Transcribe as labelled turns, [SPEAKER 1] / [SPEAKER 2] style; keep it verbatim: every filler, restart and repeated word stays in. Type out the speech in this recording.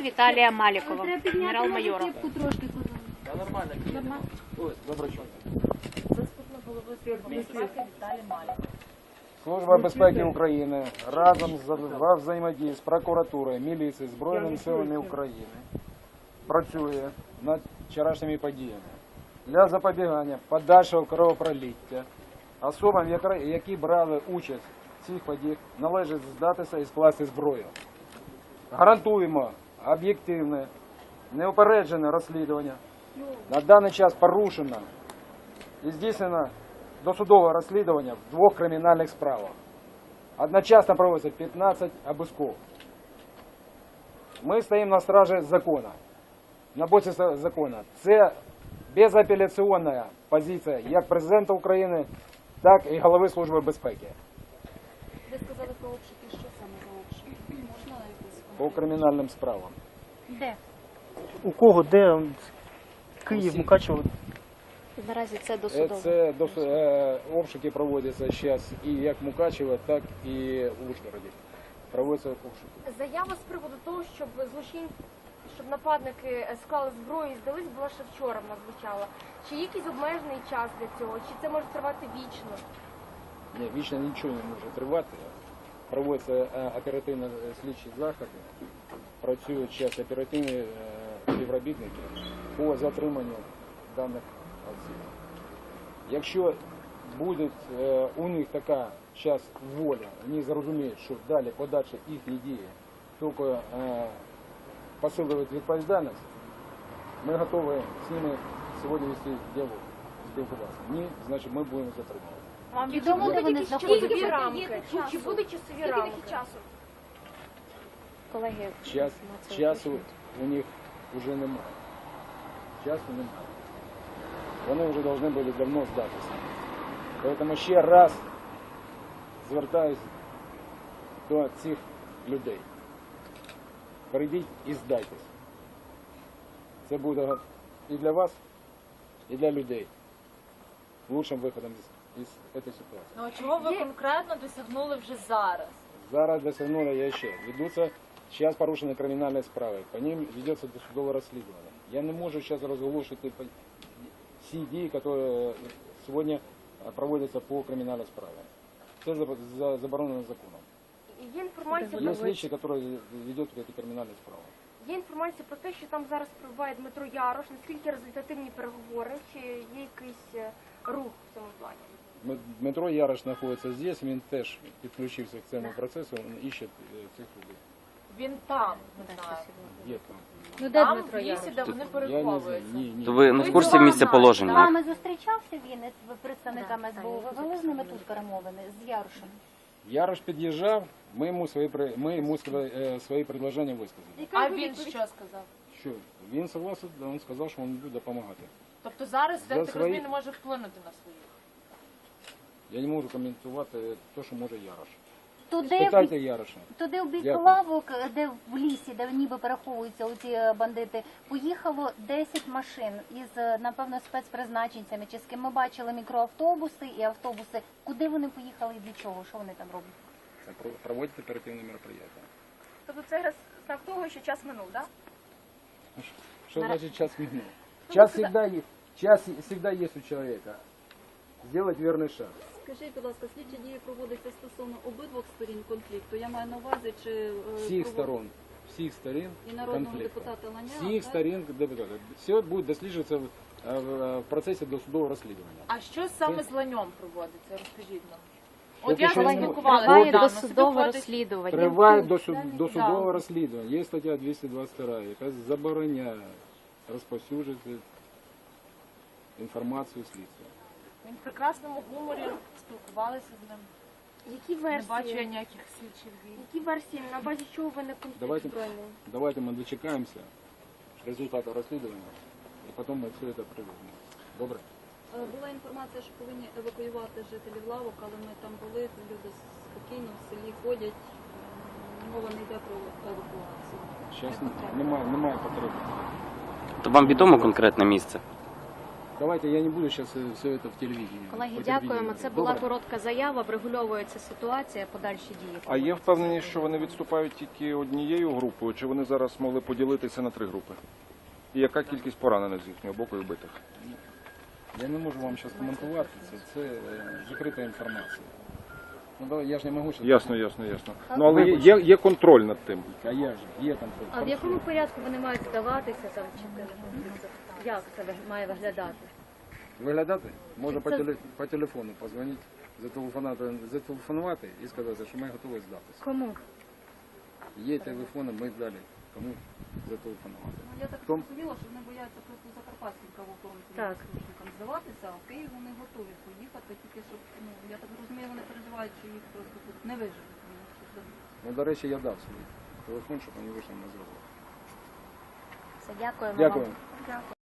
[SPEAKER 1] Віталія Малікова, генерал-майора.
[SPEAKER 2] Та нормально. Ось, доброчок.
[SPEAKER 3] Заступник голови Служби безпеки Віталій Маліков.
[SPEAKER 4] Служба безпеки України разом з во взаємодії з прокуратурою, міліцією, Збройними силами України працює над вчорашніми подіями для запобігання подальшого кровопролиття. Особам, які брали участь в цих подіях, належить здатися і скласти зброю. Гарантуємо об'єктивне, неупереджене розслідування. На даний час порушено і здійснено досудове розслідування в двох кримінальних справах. Одночасно проводиться п'ятнадцять обысков. Ми стоїмо на стражі закону, на боці закону. Це безапеляційна позиція як президента України, так і голови Служби безпеки.
[SPEAKER 5] Ви сказали про обшуки, що саме за обшуки? Можна якось?
[SPEAKER 4] По кримінальним справам.
[SPEAKER 1] Де?
[SPEAKER 2] У кого, де? Київ, Мукачево?
[SPEAKER 1] Наразі це досудово.
[SPEAKER 4] Це дос... е, обшуки проводяться зараз і як в Мукачево, так і в Ужгороді. Проводяться обшуки.
[SPEAKER 6] Заява з приводу того, щоб злочин, щоб нападники склали зброю і здались, була ще вчора в нас звучала. Чи є якийсь обмежений час для цього? Чи це може тривати вічно?
[SPEAKER 4] Ні, вічно нічого не може тривати. Проводяться оперативно-слідчі заходи, працюють зараз оперативні співробітники по затриманню даних осіб. Якщо буде у них така час воля, вони зрозуміють, що далі подальші їхні дії тільки посилюють відповідальність, ми готові з ними сьогодні вести діалог, спілкуватися. Ні, значить ми будемо затримувати.
[SPEAKER 1] Вам відомо, де вони знаходяться?
[SPEAKER 6] Часові рамки? Чи будуть часові рамки? часу?
[SPEAKER 1] Колеги,
[SPEAKER 4] Час, часу у них вже немає. Часу немає. Вони вже повинні були давно здатися. Тому ще раз звертаюся до цих людей. Прийдіть і здайтесь. Це буде і для вас, і для людей лучшим виходом із цієї ситуації.
[SPEAKER 3] Ну а чого ви конкретно досягнули вже зараз?
[SPEAKER 4] Зараз досягнули я ще. Ведуться, зараз порушені кримінальні справи, по ним ведеться досудове розслідування. Я не можу зараз розголошувати всі дії, які сьогодні проводяться по кримінальній справі. Це заборонено законом.
[SPEAKER 6] Є інформація,
[SPEAKER 4] Є слідчі, які ведуть ці кримінальні справи.
[SPEAKER 6] є інформація про те, що там зараз перебуває Дмитро Ярош. Наскільки результативні переговори, чи є якийсь рух в цьому плані?
[SPEAKER 4] Дмитро Ярош знаходиться здесь, він теж підключився к цьому процесу, він іще цих людей.
[SPEAKER 3] Він там, не знаю.
[SPEAKER 4] Є там.
[SPEAKER 1] Ну, де
[SPEAKER 3] Там
[SPEAKER 1] Дмитро
[SPEAKER 3] в лісі,
[SPEAKER 1] Ярош?
[SPEAKER 3] де вони
[SPEAKER 4] Я не знаю.
[SPEAKER 3] переховуються.
[SPEAKER 4] Ні, ні.
[SPEAKER 7] То ви не в курсі місця
[SPEAKER 1] З
[SPEAKER 7] положення?
[SPEAKER 1] вами зустрічався він із представниками ес бе у? Ви вели з ними тут перемовини з Ярошем?
[SPEAKER 4] Ярош під'їжджав, ми йому свої, при- ми йому свої, свої предложення висказали.
[SPEAKER 3] А він що сказав?
[SPEAKER 4] Що? Він согласен, він сказав, що він буде допомагати.
[SPEAKER 3] Тобто зараз,
[SPEAKER 4] За
[SPEAKER 3] я так
[SPEAKER 4] свої-
[SPEAKER 3] розумію, не може вплинути на своїх.
[SPEAKER 4] Я не можу коментувати те, що може Ярош.
[SPEAKER 1] Туди,
[SPEAKER 4] Спитайте Яроша.
[SPEAKER 1] туди в бік
[SPEAKER 4] Дякую.
[SPEAKER 1] лавок, де в лісі, де ніби переховуються оці бандити, поїхало десять машин із, напевно, спецпризначенцями, чи з ким ми бачили мікроавтобуси і автобуси. Куди вони поїхали і для чого? Що вони там роблять?
[SPEAKER 4] Це про- проводять оперативне мероприятие.
[SPEAKER 6] Тобто це знак того, що час минув, так?
[SPEAKER 4] Что значит час минут? Час всегда есть. Час всегда есть у человека. Сделать верный шаг.
[SPEAKER 5] Скажіть, будь ласка, слідчі дії проводяться стосовно обидвох сторін конфлікту. Я маю на увазі, чи е,
[SPEAKER 4] Всіх
[SPEAKER 5] провод-
[SPEAKER 4] сторон. Всіх сторін
[SPEAKER 5] і народного
[SPEAKER 4] конфлікту.
[SPEAKER 5] депутата Ланя.
[SPEAKER 4] Всіх
[SPEAKER 5] так?
[SPEAKER 4] сторін депутата. Все буде досліджуватися в, е, в, в процесі досудового розслідування.
[SPEAKER 3] А що саме з ланьом проводиться? Розкажіть нам.
[SPEAKER 4] От
[SPEAKER 3] От я
[SPEAKER 4] ще не-
[SPEAKER 3] спілкувалася
[SPEAKER 1] Триває
[SPEAKER 3] недавно.
[SPEAKER 1] досудове
[SPEAKER 3] Собі ходить-
[SPEAKER 1] розслідування.
[SPEAKER 4] Триває досуд- досудове розслідування. Є стаття двісті двадцять два, яка забороняє розповсюджувати інформацію слідства.
[SPEAKER 3] Він в прекрасному гуморі, спілкувалися з ним.
[SPEAKER 6] Які
[SPEAKER 3] Не бачу я
[SPEAKER 6] версії?
[SPEAKER 3] ніяких слідчих дій.
[SPEAKER 6] Які версії, на базі чого виник конфлікт
[SPEAKER 4] Давайте,
[SPEAKER 6] збройний?
[SPEAKER 4] давайте ми дочекаємося результату розслідування, і потім ми все це приведемо. Добре?
[SPEAKER 5] Е, Була інформація, що повинні евакуювати жителів лавок, але ми там були, люди спокійно в селі ходять. М, Мова не йде про евакуацію.
[SPEAKER 4] Зараз немає, немає потреби.
[SPEAKER 7] То вам відомо конкретне місце?
[SPEAKER 4] Давайте я не буду сейчас все это в телевидении.
[SPEAKER 3] Колеги,
[SPEAKER 4] по
[SPEAKER 3] дякуємо.
[SPEAKER 4] телевидению.
[SPEAKER 3] Це була
[SPEAKER 4] Добре?
[SPEAKER 3] коротка заява, врегульовується ситуація, подальші дії.
[SPEAKER 7] А є впевненість, що вони відступають тільки однією групою, чи вони зараз могли поділитися на три групи? І яка кількість поранених з їхнього боку і вбитих?
[SPEAKER 4] Я не можу вам зараз коментувати, це, це е, закрита інформація. Ну, давай, я ж не можу зараз.
[SPEAKER 7] Ясно, ясно, ясно. Ну але є, є, є контроль над тим.
[SPEAKER 4] А я ж, є там.
[SPEAKER 3] А в якому порядку вони мають здаватися там чи як це ви- має виглядати?
[SPEAKER 4] Виглядати? Можна по,
[SPEAKER 3] Це-
[SPEAKER 4] теле, по телефону позвонити, зателефонувати, зателефонувати і сказати, що ми готові здатися.
[SPEAKER 3] Кому?
[SPEAKER 4] Є телефони, ми здалі. Кому зателефонувати?
[SPEAKER 5] Ну, я так
[SPEAKER 4] Том-
[SPEAKER 5] зрозуміла, що вони бояться просто закарпатським правоохоронцям
[SPEAKER 3] Так.
[SPEAKER 5] службам здаватися, а в Київ вони готові поїхати, тільки щоб, ну, я так розумію, вони переживають, що їх просто тут не виживуть. Вони щось дадуть.
[SPEAKER 4] Ну, до речі, я дав свій телефон, щоб вони вийшли на зв'язок.
[SPEAKER 1] Все, дякуємо
[SPEAKER 4] Дякую.
[SPEAKER 1] вам.